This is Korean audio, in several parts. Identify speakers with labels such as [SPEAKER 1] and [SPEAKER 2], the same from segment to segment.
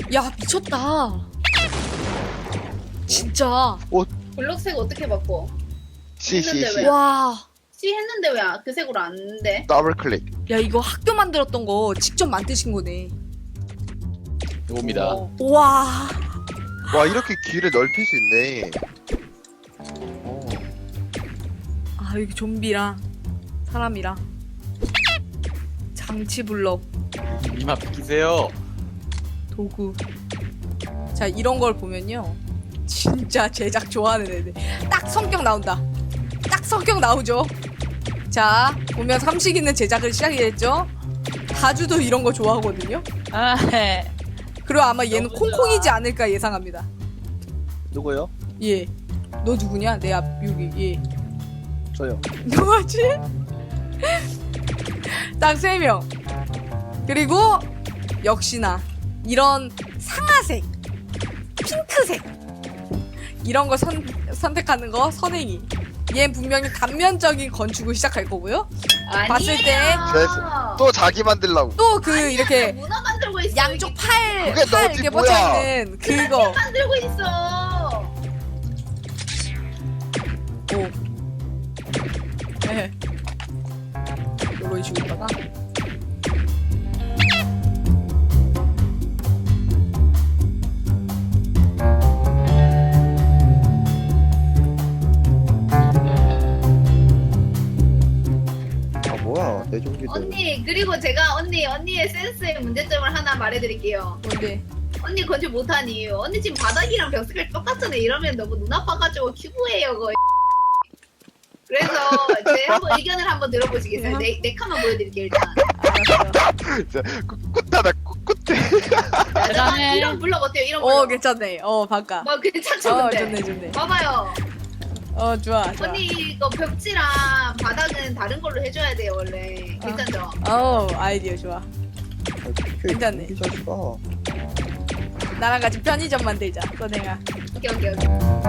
[SPEAKER 1] 야 미쳤다. 진짜.
[SPEAKER 2] 블록색 어떻게 바꿔?
[SPEAKER 3] C
[SPEAKER 2] 왜?
[SPEAKER 1] 와.
[SPEAKER 2] C 했는데 왜 그 색으로 안 돼?
[SPEAKER 3] 더블 클릭.
[SPEAKER 1] 야 이거 학교 만들었던 거 직접 만드신 거네.
[SPEAKER 4] 이겁니다.
[SPEAKER 1] 와.
[SPEAKER 3] 와 이렇게 길을 넓힐 수 있네.
[SPEAKER 1] 아 여기 좀비랑 사람이랑 장치 블럭
[SPEAKER 4] 이만 비키세요.
[SPEAKER 1] 도구. 자 이런 걸 보면요 진짜 제작 좋아하는 애들 딱 성격 나온다. 딱 성격 나오죠. 자 보면 삼식 있는 제작을 시작했죠. 다주도 이런 거 좋아하거든요.
[SPEAKER 5] 아, 네.
[SPEAKER 1] 그리고 아마 얘는 콩콩이지 않을까 예상합니다.
[SPEAKER 6] 누구요?
[SPEAKER 1] 예. 너 누구냐? 내 앞 여기 예.
[SPEAKER 6] 저요.
[SPEAKER 1] 누구지? 딱 3명. 그리고 역시나 이런 상아색, 핑크색 이런 거 선택하는 거 선행이. 얘 분명히 단면적인 건축을 시작할 거고요.
[SPEAKER 2] 아니에요.
[SPEAKER 1] 봤을 때
[SPEAKER 3] 또 자기 만들라고.
[SPEAKER 1] 또 그 이렇게
[SPEAKER 2] 문어 만들고 있어.
[SPEAKER 1] 양쪽 팔
[SPEAKER 3] 그게 너지,
[SPEAKER 1] 이렇게
[SPEAKER 3] 뭐야.
[SPEAKER 1] 뻗쳐 있는 그거.
[SPEAKER 2] 만들고 있어.
[SPEAKER 1] 오. 네. 요런 식으로 있다가
[SPEAKER 6] 아 뭐야 내 종기들.
[SPEAKER 2] 언니 그리고 제가 언니의 센스의 문제점을 하나 말해드릴게요.
[SPEAKER 1] 뭔데?
[SPEAKER 2] 언니 건축 못한 이유. 언니 지금 바닥이랑 벽 색깔 똑같잖아요. 이러면 너무 눈 아파가지고 큐브예요 거의. 그래서 제 한번 의견을 한번 들어보시겠어요? 내 칸만 보여드릴게요 일단.
[SPEAKER 1] 알았어.
[SPEAKER 3] 꿋하다 꿋해.
[SPEAKER 5] 대단해.
[SPEAKER 2] 이런 블럭 어때요? 이런 블럭.
[SPEAKER 1] 괜찮네. 바까.
[SPEAKER 2] 뭐 괜찮죠 근데.
[SPEAKER 1] 좋네.
[SPEAKER 2] 봐봐요.
[SPEAKER 1] 좋아.
[SPEAKER 2] 언니 이거 벽지랑 바닥은 다른 걸로 해줘야 돼요 원래. 괜찮죠?
[SPEAKER 1] 아이디어 좋아. 괜찮네.
[SPEAKER 6] 이 자식아.
[SPEAKER 1] 나랑 같이 편의점 만들자. 선행아.
[SPEAKER 2] 오케이.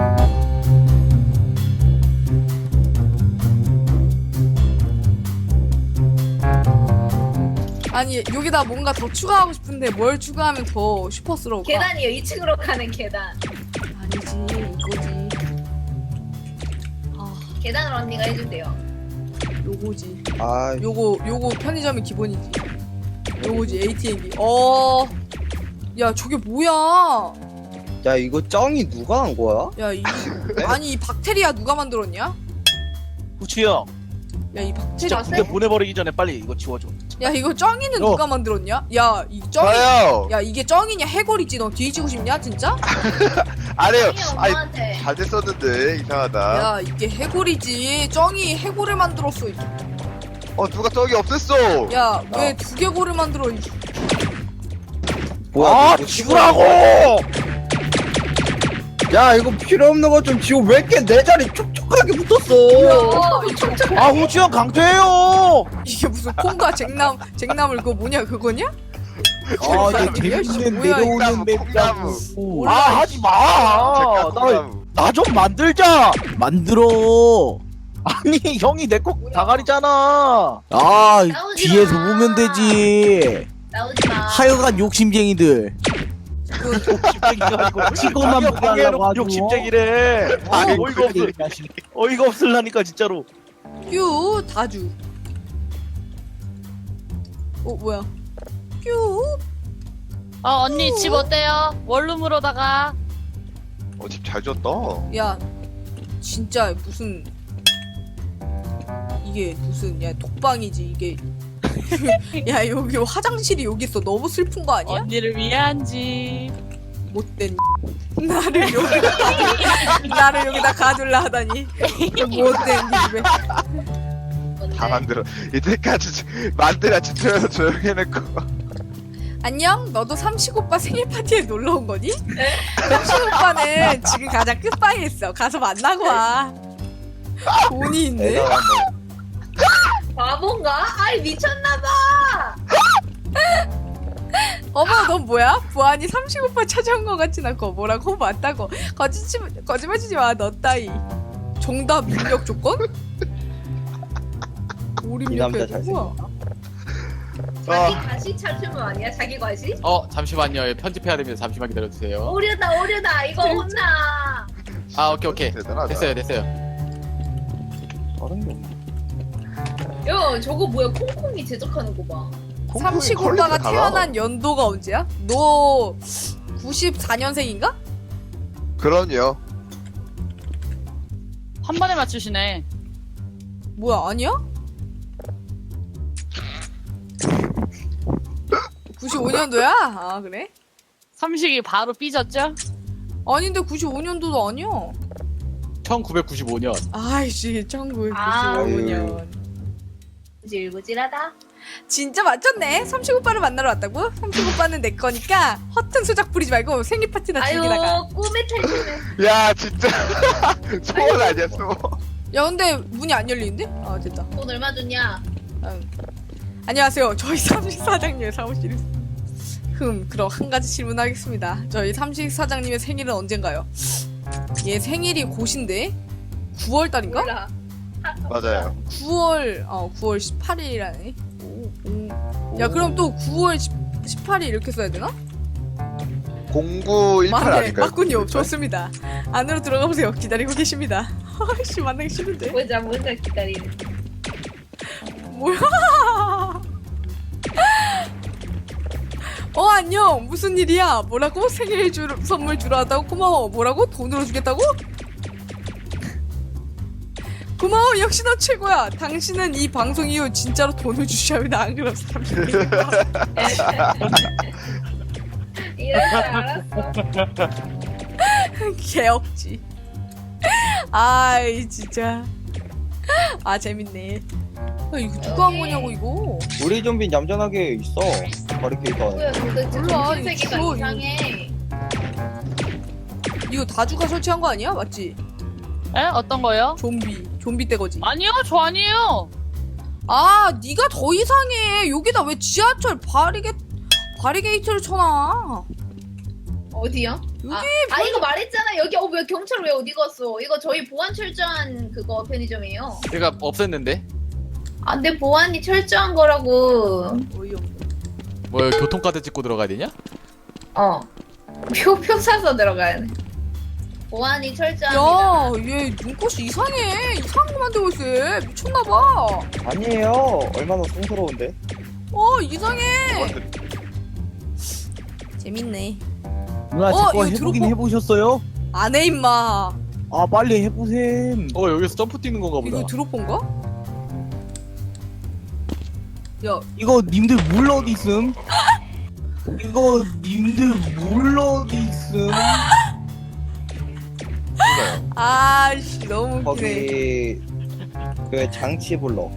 [SPEAKER 1] 아니 여기다 뭔가 더 추가하고 싶은데 뭘 추가하면 더 슈퍼스러울까?
[SPEAKER 2] 계단이요. 2층으로 가는 계단.
[SPEAKER 1] 아니지 이거지.
[SPEAKER 2] 계단을 언니가 해준대요.
[SPEAKER 1] 요거지.
[SPEAKER 6] 아
[SPEAKER 1] 요거 편의점이 기본이지. 요거지 ATM기. 야 저게 뭐야?
[SPEAKER 6] 야 이거 쩡이 누가 한 거야?
[SPEAKER 1] 야 아니 이 박테리아 누가 만들었냐?
[SPEAKER 4] 후추 형,
[SPEAKER 1] 야 이 박테리아.
[SPEAKER 4] 진짜 군대 보내버리기 전에 빨리 이거 지워줘.
[SPEAKER 1] 야 이거 쩡이는 누가 만들었냐? 야 이 쩡이.
[SPEAKER 3] 저요.
[SPEAKER 1] 야 이게 쩡이냐 해골이지. 너 뒤지고 싶냐 진짜?
[SPEAKER 3] 아니에요.
[SPEAKER 2] 언니
[SPEAKER 3] 아니
[SPEAKER 2] 엄마한테.
[SPEAKER 3] 잘 됐었는데 이상하다.
[SPEAKER 1] 야 이게 해골이지. 쩡이 해골을 만들었어.
[SPEAKER 3] 누가 저기 없앴어.
[SPEAKER 1] 야 왜 두개골을 만들어?
[SPEAKER 6] 뭐야?
[SPEAKER 4] 아,
[SPEAKER 6] 이거
[SPEAKER 4] 지우라고!
[SPEAKER 6] 야 이거 필요 없는 거 좀 지워. 왜 이렇게 내 자리 촉촉하게 붙었어?
[SPEAKER 4] 아, 후추 형 강퇴해요!
[SPEAKER 1] 이게 무슨 콩과 쟁나물 그거 뭐냐 그거냐?
[SPEAKER 6] 아 이게 재밌는
[SPEAKER 1] 뭐야,
[SPEAKER 6] 내려오는
[SPEAKER 3] 콩나무.
[SPEAKER 6] 맵이라고.
[SPEAKER 4] 아, 하지 마! 나 좀 만들자! 만들어! 아니, 형이 내 거 다가리잖아!
[SPEAKER 6] 아
[SPEAKER 2] 나오지
[SPEAKER 6] 뒤에서
[SPEAKER 2] 마.
[SPEAKER 6] 보면 되지.
[SPEAKER 2] 나오지 마.
[SPEAKER 6] 하여간 욕심쟁이들.
[SPEAKER 4] 욕심쟁이가 아니고
[SPEAKER 6] 직업만
[SPEAKER 4] 자기가
[SPEAKER 6] 보게
[SPEAKER 4] 방해해놓고
[SPEAKER 6] 하려고
[SPEAKER 4] 욕심쟁이래! 어이가 없을라니까 진짜로.
[SPEAKER 1] 뀨 다주. 뭐야? 뀨.
[SPEAKER 5] 언니 집 어때요? 원룸으로다가.
[SPEAKER 3] 집 잘 지었다.
[SPEAKER 1] 야 진짜 무슨 이게 무슨 야 독방이지 이게. 야 여기 화장실이 여기 있어. 너무 슬픈 거 아니야?
[SPEAKER 5] 언니를 위한 집.
[SPEAKER 1] 못된 나를 여기다 가둘라 하다니. 못된 집에.
[SPEAKER 3] 다 만들어. 이때까지 만들어 지쳐서 조용히 해놓고.
[SPEAKER 1] 안녕? 너도 삼식 오빠 생일 파티에 놀러 온 거니? 삼식 오빠는 지금 가장 끝방에 있어. 가서 만나고 와. 돈이 있네.
[SPEAKER 6] 대단하네.
[SPEAKER 2] 바본가? 아이 미쳤나봐.
[SPEAKER 1] 어머 넌 뭐야? 부안이 삼식 오빠 찾아온 거 같진 않고 뭐라고? 맞다고. 거짓말 치지 마. 너 따위. 정답 입력 조건?
[SPEAKER 6] 이 남자
[SPEAKER 1] 오립력해 누구야?
[SPEAKER 6] 잘생겼다.
[SPEAKER 2] 자기 과시 찾으면 아니야? 자기 과시?
[SPEAKER 7] 잠시만요. 편집해야 됩니다. 잠시만 기다려주세요.
[SPEAKER 2] 오려다 이거 혼나.
[SPEAKER 7] 아, 오케이.
[SPEAKER 3] 대단하다.
[SPEAKER 7] 됐어요.
[SPEAKER 6] 다른 게 없네.
[SPEAKER 2] 야 저거 뭐야? 콩콩이 제작하는 거 봐.
[SPEAKER 1] 삼식 오빠가 태어난 연도가 언제야? 너 94년생인가?
[SPEAKER 3] 그럼요.
[SPEAKER 5] 한 번에 맞추시네.
[SPEAKER 1] 뭐야, 아니야? 95년도야? 아, 그래?
[SPEAKER 5] 삼식이 바로 삐졌죠?
[SPEAKER 1] 아닌데 95년도도 아니야.
[SPEAKER 7] 1995년.
[SPEAKER 1] 아이씨, 1995년.
[SPEAKER 2] 구질구질하다.
[SPEAKER 1] 진짜 맞췄네. 삼식 오빠를 만나러 왔다고? 삼식 오빠는 내 거니까 허튼 수작 부리지 말고 생일 파티나 즐기다가.
[SPEAKER 2] 아유 꿈의 탈출을.
[SPEAKER 3] 야 진짜 소원 아니야 소원.
[SPEAKER 1] 야, 근데 문이 안 열리는데? 아, 됐다.
[SPEAKER 2] 돈 얼마 줬냐?
[SPEAKER 1] 안녕하세요. 저희 삼식 사장님의 사무실입니다. 그럼 한 가지 질문하겠습니다. 저희 삼식 사장님의 생일은 언젠가요? 얘 생일이 곧인데? 9월달인가?
[SPEAKER 2] 몰라.
[SPEAKER 3] 맞아요.
[SPEAKER 1] 9월 18일이라네. 야, 그럼 또 9월 18일 이렇게 써야 되나?
[SPEAKER 3] 0918
[SPEAKER 1] 맞네,
[SPEAKER 3] 아닐까요?
[SPEAKER 1] 맞군요. 좋습니다. 안으로 들어가 보세요. 기다리고 계십니다. 아이씨, 만나기 싫은데.
[SPEAKER 2] 보자 기다리는.
[SPEAKER 1] 뭐야? 안녕. 무슨 일이야? 뭐라고? 선물 주러 왔다고? 고마워. 뭐라고? 돈으로 주겠다고? 고마워. 역시 너 최고야. 당신은 이 방송 이후 진짜로 돈을 주셔야 합니다. 안 그럼 사람들이.
[SPEAKER 2] 이럴 줄 알았어.
[SPEAKER 1] 개억지. 아이, 진짜. 아, 재밌네. 야, 이거 누가 한 거냐고, 이거.
[SPEAKER 6] 우리 좀비 얌전하게 있어. 바리케이터 안에.
[SPEAKER 2] 뭐야 도대체
[SPEAKER 1] 몰라,
[SPEAKER 2] 정신세계가
[SPEAKER 1] 이거
[SPEAKER 2] 이상해.
[SPEAKER 1] 이거 다주가 설치한 거 아니야? 맞지?
[SPEAKER 5] 에? 어떤 거요?
[SPEAKER 1] 좀비 떼거지.
[SPEAKER 5] 아니요, 저 아니에요.
[SPEAKER 1] 아, 네가 더 이상해. 여기다 왜 지하철 바리게이트를 쳐놔?
[SPEAKER 2] 어디요?
[SPEAKER 1] 여기
[SPEAKER 2] 이거 말했잖아. 여기 왜 경찰 왜 어디 갔어? 이거 저희 보안 철저한 그거 편의점이에요.
[SPEAKER 7] 제가 없앴는데.
[SPEAKER 2] 내 보안이 철저한 거라고.
[SPEAKER 1] 어이없네.
[SPEAKER 7] 뭐 교통카드 찍고 들어가야 되냐?
[SPEAKER 2] 표 사서 들어가야 돼. 보안이 철저합니다.
[SPEAKER 1] 야, 얘 눈꽃이 이상해. 이상한 거 만들고 있어. 얘. 미쳤나봐.
[SPEAKER 6] 아니에요. 얼마나 성스러운데.
[SPEAKER 1] 이상해. 재밌네.
[SPEAKER 4] 누나
[SPEAKER 1] 이거
[SPEAKER 4] 제거 해보긴
[SPEAKER 1] 들어보-
[SPEAKER 4] 해보셨어요?
[SPEAKER 1] 안 해, 임마.
[SPEAKER 4] 아 빨리 해보셈.
[SPEAKER 7] 여기서 점프 뛰는 건가 보다.
[SPEAKER 1] 이거 드롭본가? 야,
[SPEAKER 4] 이거 님들 물 어디 있음? 이거 님들 물 어디 있음?
[SPEAKER 1] 아씨, 너무 웃기네.
[SPEAKER 6] 거기 그 장치 불러.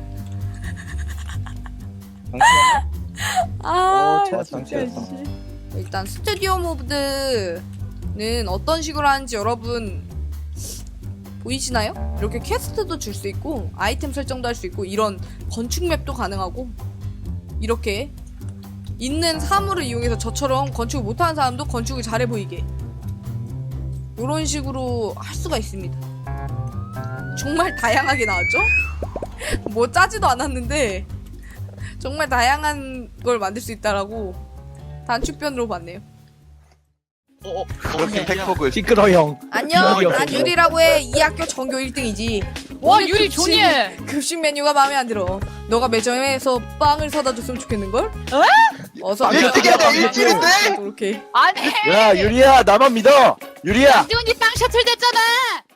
[SPEAKER 1] 아,
[SPEAKER 6] 제가
[SPEAKER 1] 진짜.
[SPEAKER 6] 장치였어.
[SPEAKER 1] 씨. 일단 스튜디오 모드는 어떤 식으로 하는지 여러분 보이시나요? 이렇게 퀘스트도 줄 수 있고 아이템 설정도 할 수 있고 이런 건축 맵도 가능하고 이렇게 있는 사물을 이용해서 저처럼 건축을 못하는 사람도 건축을 잘해 보이게 이런 식으로 할 수가 있습니다. 정말 다양하게 나왔죠? 뭐 짜지도 않았는데 정말 다양한 걸 만들 수 있다라고 단축변으로 봤네요.
[SPEAKER 3] 그렇게 팩폭을
[SPEAKER 4] 시끄러 형.
[SPEAKER 1] 안녕,
[SPEAKER 4] 유리요.
[SPEAKER 1] 난 유리라고 해. 이 학교 전교 1등이지.
[SPEAKER 5] 와, 유리 존예.
[SPEAKER 1] 급식 메뉴가 마음에 안 들어. 너가 매점에서 빵을 사다 줬으면 좋겠는걸? 어서
[SPEAKER 3] 빵 일찍이야, 나 일찍인데?
[SPEAKER 1] 이렇게.
[SPEAKER 5] 아니,
[SPEAKER 4] 야 유리야 나만 믿어. 유리야.
[SPEAKER 5] 이준이 빵 셔틀 됐잖아.